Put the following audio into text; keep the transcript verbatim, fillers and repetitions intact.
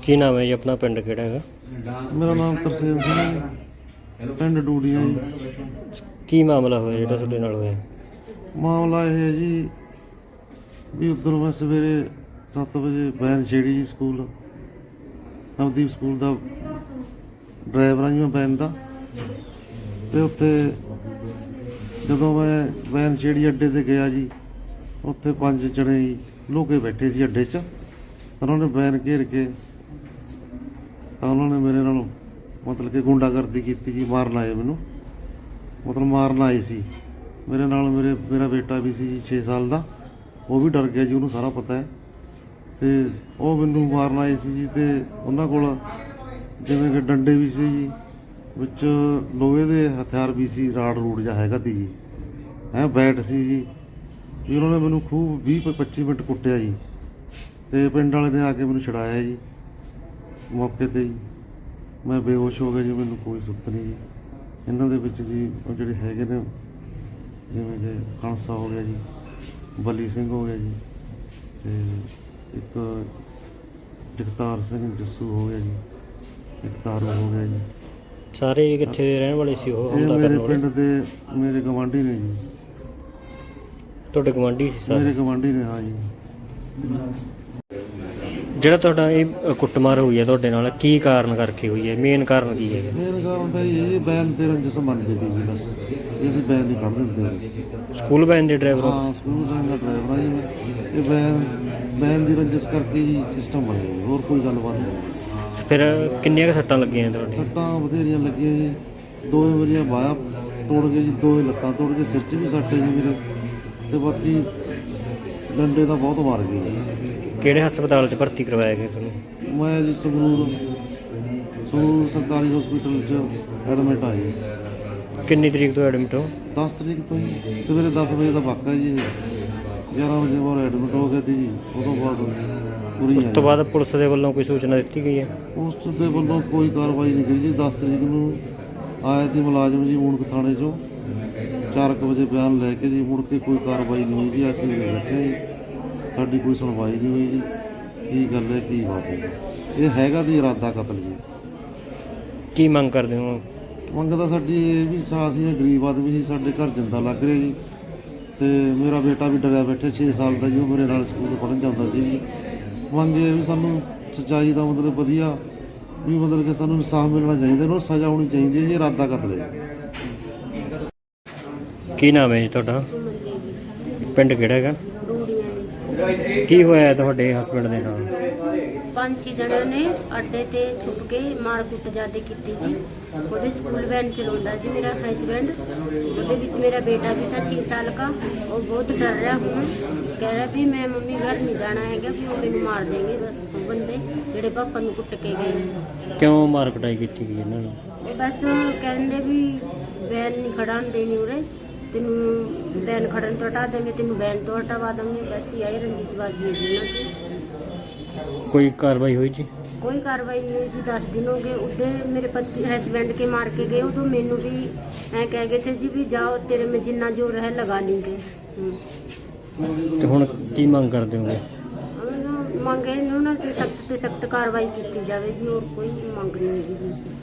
ਕੀ ਨਾਮ ਹੈ ਜੀ ਆਪਣਾ, ਪਿੰਡ ਕਿਹੜਾ ਹੈਗਾ? ਮੇਰਾ ਨਾਮ ਤਰਸੇਮ ਸਿੰਘ ਹੈ, ਪਿੰਡ ਡੂੜੀਆਂ ਜੀ। ਕੀ ਮਾਮਲਾ ਹੋਇਆ ਜਿਹੜਾ ਤੁਹਾਡੇ ਨਾਲ ਹੋਇਆ? ਮਾਮਲਾ ਇਹ ਹੈ ਜੀ ਵੀ ਉੱਧਰ ਮੈਂ ਸਵੇਰੇ ਸੱਤ ਵਜੇ ਵੈਨ ਛੇੜੀ ਜੀ, ਸਕੂਲ ਨਵਦੀਪ ਸਕੂਲ ਦਾ ਡਰਾਈਵਰ ਹਾਂ ਜੀ ਮੈਂ ਵੈਨ ਦਾ। ਅਤੇ ਉੱਥੇ ਜਦੋਂ ਮੈਂ ਵੈਨ ਛੇੜੀ ਅੱਡੇ 'ਤੇ ਗਿਆ ਜੀ, ਉੱਥੇ ਪੰਜ ਜਣੇ ਜੀ ਲੋਕੇ ਬੈਠੇ ਸੀ ਅੱਡੇ 'ਚ। ਉਹਨਾਂ ਨੇ ਵੈਨ ਘੇਰ ਕੇ ਤਾਂ ਉਹਨਾਂ ਨੇ ਮੇਰੇ ਨਾਲ ਮਤਲਬ ਕਿ ਗੁੰਡਾਗਰਦੀ ਕੀਤੀ ਜੀ, ਮਾਰਨ ਆਏ ਮੈਨੂੰ, ਮਤਲਬ ਮਾਰਨ ਆਏ ਸੀ ਮੇਰੇ ਨਾਲ। ਮੇਰੇ ਮੇਰਾ ਬੇਟਾ ਵੀ ਸੀ ਜੀ ਛੇ ਸਾਲ ਦਾ, ਉਹ ਵੀ ਡਰ ਗਿਆ ਜੀ, ਉਹਨੂੰ ਸਾਰਾ ਪਤਾ ਹੈ। ਅਤੇ ਉਹ ਮੈਨੂੰ ਮਾਰਨ ਆਏ ਸੀ ਜੀ, ਅਤੇ ਉਹਨਾਂ ਕੋਲ ਜਿਵੇਂ ਕਿ ਡੰਡੇ ਵੀ ਸੀ ਜੀ, ਵਿੱਚ ਲੋਹੇ ਦੇ ਹਥਿਆਰ ਵੀ ਸੀ, ਰਾੜ ਰੂੜ ਜਿਹਾ ਹੈਗਾ ਤੀ ਜੀ, ਹੈਂ ਬੈਟ ਸੀ ਜੀ। ਵੀ ਉਹਨਾਂ ਨੇ ਮੈਨੂੰ ਖੂਬ ਵੀਹ ਪੱਚੀ ਮਿੰਟ ਕੁੱਟਿਆ ਜੀ, ਅਤੇ ਪਿੰਡ ਵਾਲੇ ਨੇ ਆ ਕੇ ਮੈਨੂੰ ਛੁਡਾਇਆ ਜੀ ਮੌਕੇ 'ਤੇ ਜੀ। ਮੈਂ ਬੇਹੋਸ਼ ਹੋ ਗਿਆ ਜੀ, ਮੈਨੂੰ ਕੋਈ ਸੁੱਤ ਨਹੀਂ ਜੀ। ਇਹਨਾਂ ਦੇ ਵਿੱਚ ਜੀ ਉਹ ਜਿਹੜੇ ਹੈਗੇ ਨੇ, ਜਿਵੇਂ ਕਿ ਖਾਲਸਾ ਹੋ ਗਿਆ ਜੀ, ਬਲੀ ਸਿੰਘ ਹੋ ਗਿਆ ਜੀ, ਅਤੇ ਇੱਕ ਜਗਤਾਰ ਸਿੰਘ ਜੱਸੂ ਹੋ ਗਿਆ ਜੀ, ਇੱਕ ਤਾਰੂ ਹੋ ਗਿਆ ਜੀ। ਸਾਰੇ ਕਿੱਥੇ ਦੇ ਰਹਿਣ ਵਾਲੇ ਸੀ ਉਹ? ਇਹ ਮੇਰੇ ਪਿੰਡ ਦੇ ਮੇਰੇ ਗਵਾਂਢੀ ਨੇ ਜੀ। ਤੁਹਾਡੇ ਗਵਾਂਢੀ ਸੀ ਸਾਰੇ? ਮੇਰੇ ਗਵਾਂਢੀ ਨੇ, ਹਾਂ ਜੀ। ਜਿਹੜਾ ਤੁਹਾਡਾ ਇਹ ਕੁੱਟਮਾਰ ਹੋਈ ਹੈ ਤੁਹਾਡੇ ਨਾਲ, ਕੀ ਕਾਰਨ ਕਰਕੇ ਹੋਈ ਹੈ? ਮੇਨ ਕਾਰਨ ਕੀ ਹੈ? ਮੇਨ ਕਾਰਨ ਤਾਂ ਇਹ ਬੈਨ ਤੇ ਰੰਜਸ ਮੰਨ ਗਈ ਸੀ ਬਸ, ਇਹ ਅਸੀਂ ਬੈਨ ਨਹੀਂ ਕੱਢ ਦਿੰਦੇ। ਸਕੂਲ ਵੈਨ ਦੇ ਡਰਾਈਵਰ? ਹਾਂ, ਸਕੂਲ ਵੈਨ ਦਾ ਡਰਾਈਵਰ ਹਾਂ ਜੀ ਮੈਂ। ਇਹ ਬੈਨ ਬੈਨ ਦੀ ਰੰਜਸ ਕਰਕੇ ਹੀ ਸਿਸਟਮ ਬਣ ਗਿਆ, ਹੋਰ ਕੋਈ ਗੱਲਬਾਤ ਨਹੀਂ। ਫਿਰ ਕਿੰਨੀਆਂ ਕੁ ਸੱਟਾਂ ਲੱਗੀਆਂ ਤੁਹਾਡੇ? ਸੱਟਾਂ ਬਥੇਰੀਆਂ ਲੱਗੀਆਂ ਜੀ, ਦੋ ਮੇਰੀਆਂ ਬਾਹਾਂ ਤੋੜ ਗਏ ਜੀ, ਦੋ ਲੱਤਾਂ ਤੋੜ ਕੇ, ਸਿਰ 'ਚ ਵੀ ਸੱਟ ਹੈ ਜੀ ਮੇਰੇ, ਅਤੇ ਬਾਕੀ ਡੰਡੇ ਤਾਂ ਬਹੁਤ ਮਾਰ ਗਏ ਜੀ। ਕਿਹੜੇ ਹਸਪਤਾਲ 'ਚ ਭਰਤੀ ਕਰਵਾਇਆ ਗਿਆ ਤੁਹਾਨੂੰ? ਮੈਂ ਜੀ ਸੰਗਰੂਰ ਸੰਗਰੂਰ ਸਰਕਾਰੀ ਹਸਪੀਟਲ 'ਚ ਐਡਮਿਟ ਆ ਜੀ। ਕਿੰਨੀ ਤਰੀਕ ਤੋਂ ਐਡਮਿਟ ਹੋ? ਦਸ ਤਰੀਕ ਤੋਂ ਜੀ, ਸਵੇਰੇ ਦਸ ਵਜੇ ਦਾ ਵਾਕਾ ਜੀ, ਗਿਆਰਾਂ ਵਜੇ ਬਾਅਦ ਐਡਮਿਟ ਹੋ ਗਿਆ ਸੀ ਜੀ। ਉਹ ਤੋਂ ਬਾਅਦ ਪੂਰੀ ਉਸ ਤੋਂ ਬਾਅਦ ਪੁਲਿਸ ਦੇ ਵੱਲੋਂ ਕੋਈ ਸੂਚਨਾ ਦਿੱਤੀ ਗਈ ਹੈ? ਉਸ ਦੇ ਵੱਲੋਂ ਕੋਈ ਕਾਰਵਾਈ ਨਹੀਂ ਕਰੀ ਜੀ। ਦਸ ਤਰੀਕ ਨੂੰ ਆਇਆ ਸੀ ਮੁਲਾਜ਼ਮ ਜੀ ਮੂਣਕ ਥਾਣੇ 'ਚੋਂ, ਚਾਰ ਕੁ ਵਜੇ ਬਿਆਨ ਲੈ ਕੇ ਜੀ, ਮੁੜ ਕੇ ਕੋਈ ਕਾਰਵਾਈ ਨਹੀਂ ਹੋਈ ਜੀ। ਅਸੀਂ ਬੈਠੇ ਜੀ, ਸਾਡੀ ਕੋਈ ਸੁਣਵਾਈ ਨਹੀਂ ਹੋਈ ਜੀ। ਕੀ ਗੱਲ ਹੈ, ਕੀ ਬਾਤ ਹੈ? ਇਹ ਹੈਗਾ ਦੀ ਇਰਾਦਾ ਕਤਲ ਜੀ। ਕੀ ਮੰਗ ਕਰਦੇ ਹੋ? ਮੰਗ ਤਾਂ ਸਾਡੀ ਇਹ ਵੀ, ਅਸੀਂ ਗਰੀਬ ਆਦਮੀ ਸੀ, ਸਾਡੇ ਘਰ ਜਿੰਦਾ ਲੱਗ ਰਿਹਾ ਜੀ, ਅਤੇ ਮੇਰਾ ਬੇਟਾ ਵੀ ਡਰਿਆ ਬੈਠਾ ਛੇ ਸਾਲ ਦਾ ਜੀ, ਉਹ ਮੇਰੇ ਨਾਲ ਸਕੂਲ ਪੜ੍ਹਨ ਜਾਂਦਾ ਸੀ ਜੀ। ਮੰਗ ਇਹ ਵੀ ਸਾਨੂੰ ਸੱਚਾਈ ਦਾ ਮਤਲਬ ਵਧੀਆ ਵੀ, ਮਤਲਬ ਕਿ ਸਾਨੂੰ ਇਨਸਾਫ ਮਿਲਣਾ ਚਾਹੀਦਾ, ਉਹਨੂੰ ਸਜ਼ਾ ਹੋਣੀ ਚਾਹੀਦੀ ਹੈ ਜੀ। ਇਰਾਦਾ ਕਤਲ ਹੈ। ਕੀ ਨਾਮ ਹੈ ਜੀ ਤੁਹਾਡਾ? ਪਿੰਡ ਕਿਹੜਾ ਹੈਗਾ? ਡੂੜੀਆਂ। ਕੀ ਹੋਇਆ ਤੁਹਾਡੇ ਹਸਬੈਂਡ ਦੇ ਨਾਲ? ਪੰਜ ਛੇ ਜਣਿਆਂ ਨੇ ਅੱਡੇ ਤੇ ਛੁਪ ਕੇ ਮਾਰ ਕੁੱਟ ਜ਼ਿਆਦਾ ਕੀਤੀ ਜੀ। ਉਹਦੇ ਸਕੂਲ ਵੈਨ ਚਲਾਉਂਦਾ ਜੀ ਮੇਰਾ ਹਸਬੈਂਡ, ਉਹਦੇ ਵਿੱਚ ਮੇਰਾ बेटा भी था छः साल का। वो बहुत डर रहा हूँ, कह रहा भी मैं मम्मी घर नहीं जाना है, कि वो मैंने मार देंगे बंदे ਜਿਹੜੇ ਪਾਪਾ ਨੂੰ ਕੁੱਟ ਕੇ ਗਏ। ਕਿਉਂ ਮਾਰ ਕੁਟਾਈ ਕੀਤੀ ਗਈ ਇਹਨਾਂ ਨੂੰ? ਉਹ ਬਸ ਕਹਿੰਦੇ ਵੀ ਵੈਨ ਨਹੀਂ ਖੜਾਉਣ ਦੇਣੀ ਉਰੇ, ਤੈਨੂੰ ਵੈਨ ਖੜਨ ਤੋਂ ਹਟਾ ਦੇਂਗੇ, ਤੈਨੂੰ ਵੈਨ ਤੋਂ ਹਟਵਾ ਦੇंगे। ਬਸ ਇਹ ਰੰਜਿਸ਼ਬਾਜ਼ੀ ਹੈ ਜੀ ਉਹਨਾਂ ਦੀ। ਕੋਈ ਕਾਰਵਾਈ ਹੋਈ ਜੀ? कोई कार्रवाई नहीं हुई जी। दस दिन हो गए उधे मेरे पति हस्बैंड के मार के गए, उदो मैनू भी ऐ कह गए थे जी भी जाओ तेरे में जिन्ना जोर है लगा लेंगे। ਤੇ ਹੁਣ ਕੀ ਮੰਗ ਕਰਦੇ ਹੋਗੇ? ਮੰਗੇ ਇਹਨਾਂ ਕਿ ਸਖਤ ਤੇ ਸਖਤ ਕਾਰਵਾਈ ਕੀਤੀ ਜਾਵੇ ਜੀ, ਹੋਰ ਕੋਈ ਮੰਗ ਨਹੀਂ ਹੈਗੀ ਜੀ।